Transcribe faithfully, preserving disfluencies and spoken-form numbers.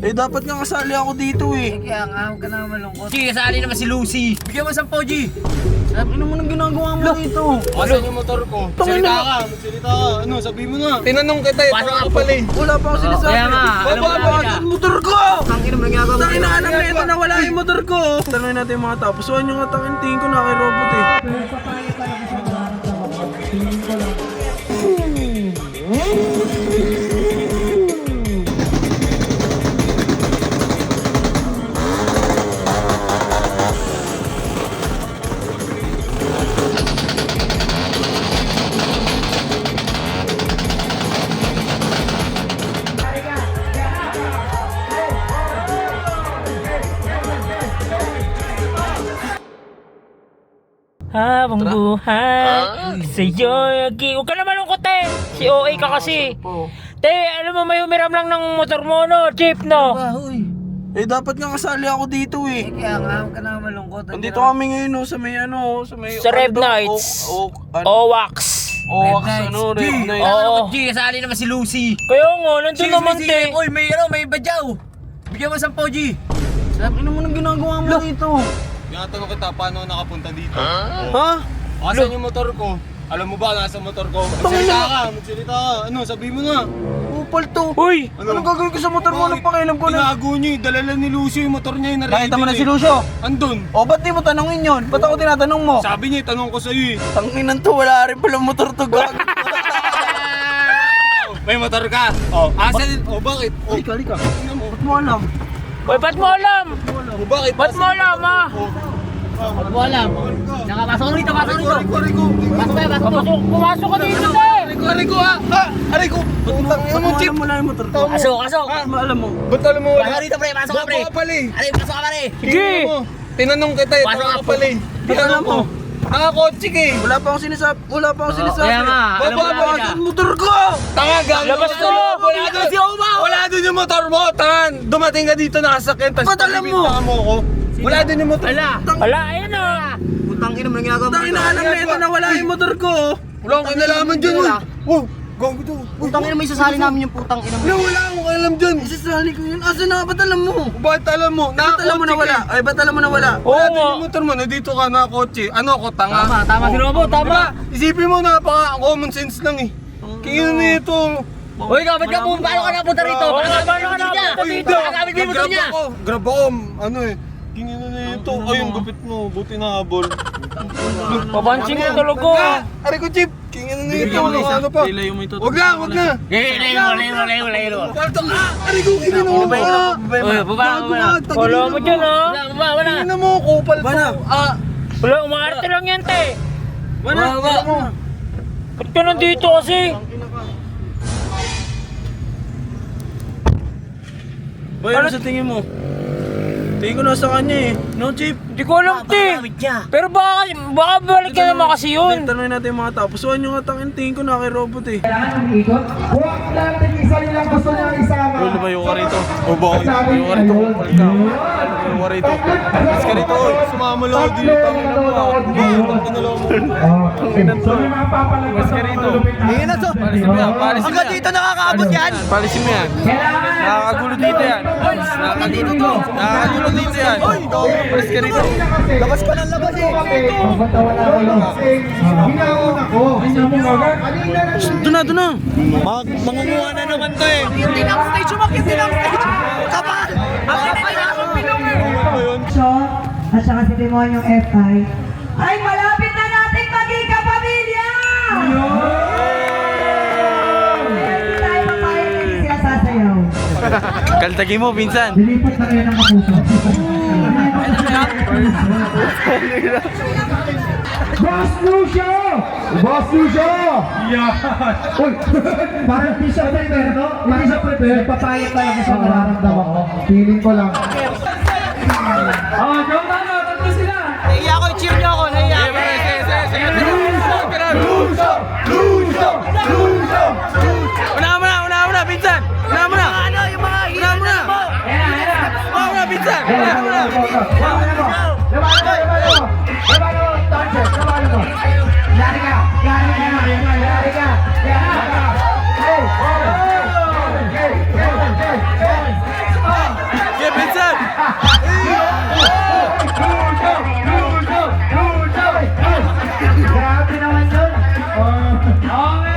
Eh, dapat nga kasali ako dito eh. Kaya nga, huwag ka na malungkot. G, kasali naman si Lucy. Bigyan mo sampo, G. Ano naman ang ginagawa mo dito? Asan yung motor ko? Tangina. Salita ka, magsalita ka. Ano, sabi mo na. Tinanong kita eh, Paano tanga nga ka po? pala eh. Wala pa ako sinasabi. Kaya nga, alam mo Baba, namin baba, na. yung motor ko! Tangin naman ang ginagawa mo. Tangin na alam na ito na wala yung motor ko. Tanungin natin yung mga tapos. Suwan yung nga tangin, tingin ko na kay robot eh. Habang buhay sa'yo lagi. Huwag ka na malungkot eh. Si O A ka kasi. Te, alam mo may umiram lang ng motor mo no, jeep no. Bahoy. Eh, dapat nga kasali ako dito eh. Kaya nga, huwag ka na malungkot. Nandito kami ngayon no, sa may ano, sa may... Sa Rev ano daw? Nights. O, o, ano? O-Wax. O, wax, ano, Rev G, Nights. Oo. G, kasali naman si Lucy. Kaya nga, nandun naman te. Uy, may ano, may badyaw. Bigyan mo sampo, G. Ano naman ang ginagawa mo dito? Tinatanong kita, paano ako nakapunta dito? Ha? Asan yung motor ko? Alam mo ba, nasa motor ko? Magsalita ka, magsalita ka. Ano, sabi mo na. Upal to. Uy! Anong gagawin ko sa motor mo? Anong pakialam ko na? Tinago niyo eh, dala lang ni Lucio yung motor niya yung narinig. Nakita mo na si Lucio? Andun. O, ba't di mo tanongin yun? Ba't ako tinatanong mo? Sabi niya, tanong ko sa'yo eh. Tanginan to, wala rin pala motor to, gag. May motor ka? Oh, asan? Oh, bakit? Oh, Halika, halika. tingnan mo. Ba't mo alam? Uy, ba't mo alam? Oh, bakit? Ba't mo alam ha? Oh, Huwag mo alam. Nakapasok rito, pasok rito. Ariko, Ariko. Pasok ba, pasok ba? Pumasok, pumasok ka dito te. Ariko, Ariko ah! Ah! Ariko! Putang ina Ba't mo, mo Chip! alam mo na yung motor ko? Pasok, pasok. Ba't mo alam mo? Ba't alam mo wala? Pasok rito, pre, pasok ka, pre. Baba ka pala eh. Aray, pasok ka, pre. Sige. Tingnan mo. Tinanong kita eh, Pasok tanga ka ka pala eh. Ba't alam mo? Nakakotse ka eh. Wala pa akong sinasabi. Wala pa akong sinasabi. Kaya nga, alam mo Baba, namin baba, na. Ang motor ko! Tanga, gago. Labas ka mo! na. Wala doon. Si Oma! Wala doon yung motor mo, tangan. Dumating ka dito nakasakyan, tapos Ba't alam mo? pabibintangan mo ako. Wala doon yung motor. Ala. Wala, ayun na. Putang ina mo, ginagawa mo. Tangin na alam na ito na wala yung motor ko. Wala akong kinalaman dyan. Wala. Wow, gago to. Putang ina mo, isasali namin yung putang ina mo. Wala, wala akong alam dyan. Isasali ko yun. Asa na? Ba't alam mo? Ba't alam mo? Ba't alam mo na wala? Ay, ba't alam mo na wala? Oo Wala nga. doon yung motor mo, nandito ka nakakotse. Ano ako, tanga? Tama, tama si Robo, Diba? tama. Isipin mo, napaka common sense lang eh. Kaya na ito. Uy, ikaw, ba't ka po, paano ka napunta rito? Oo, Paano ka paano ka napunta napunta Ay, dito? hindi. Nakagamit mo yung motor Nag-grab niya. ako. Grab ako. Ano eh. Tingin na na ito. Ay, yung gupit mo. Buti na habol. Papansing ko talaga. Aray ko, Chip. Tingin na na ito. Ano pa? Ilayo mo ito. Wag na, wag na. Eh, layo, layo, layo, layo. Palto ka. Aray ko, tingin mo. Baba yun, Ah, baba yun. Uy, baba, baba. Wala mo dyan ha. Wala, wala, wala. Tingin mo, kupal Baba na. to. Ah, Wala, umaarte lang yan te. Wala, wala mo. Ba't ka nandito kasi? Boy, ano sa tingin mo? Tingin ko nasa kanya eh. No, Chip? Hindi ko alam te. Pero baka, baka balik ka naman kasi yun. Tanungin natin yung mga tapos. Suwan yung nga tangin, tingin ko na kay robot eh. Huwag natin isa nilang gusto niya isama. Uy, lumayo ka rito. o bakit? Lumayo ka rito. Kupal ka. Lumayo ka rito. Mas ka rito. oy. Sumama lang ako dito. Tangin na mo. Tangin na lang mo. Tanginan to. So may mga papalagpas Mas ka rito. Tingin na to. Palisin mo yan. Palisin mo yan. dito nakakaabot yan. Palisin mo yan. Nakakagulo dito yan. Nakakagulo to. Nakakagulo dito yan. Palis ka rito. Labas ka ng labas eh. Ba't wala ko lang? Ginauna ko. Kanina na Doon na, doon na. Mangunguha na naman to eh. Hindi na ako stage, umakit din ako stage. Kapal! Ang kapal na akong pinong eh. Sean at saka si Demonyong F I ay malapit na nating maging kapamilya! Hindi tayo papayag na hindi sila sasayaw. Kaltagi mo, pinsan. Lilipat na kayo ng kapuso. Boss Lucio! Boss Lucio! Yeah! Uy! Parang di siya prepare, no? Hindi siya prepare. Papayag tayo sa nararamdaman ko. Feeling ko lang. Ah, joke na, no? Tatlo sila! Naiya ako, cheer niyo ako, naiya ako. Lucio! Lucio! Lucio! Una mo na, una mo na, pinsan. Una mo na. Ano, yung mga hila Una mo na. Una mo na, pinsan. Una mo na. Yari ka! Yari ka! Yari ka! Yari ka! Hey! Hey! Hey! Hey! Hey! naman yun. Okay.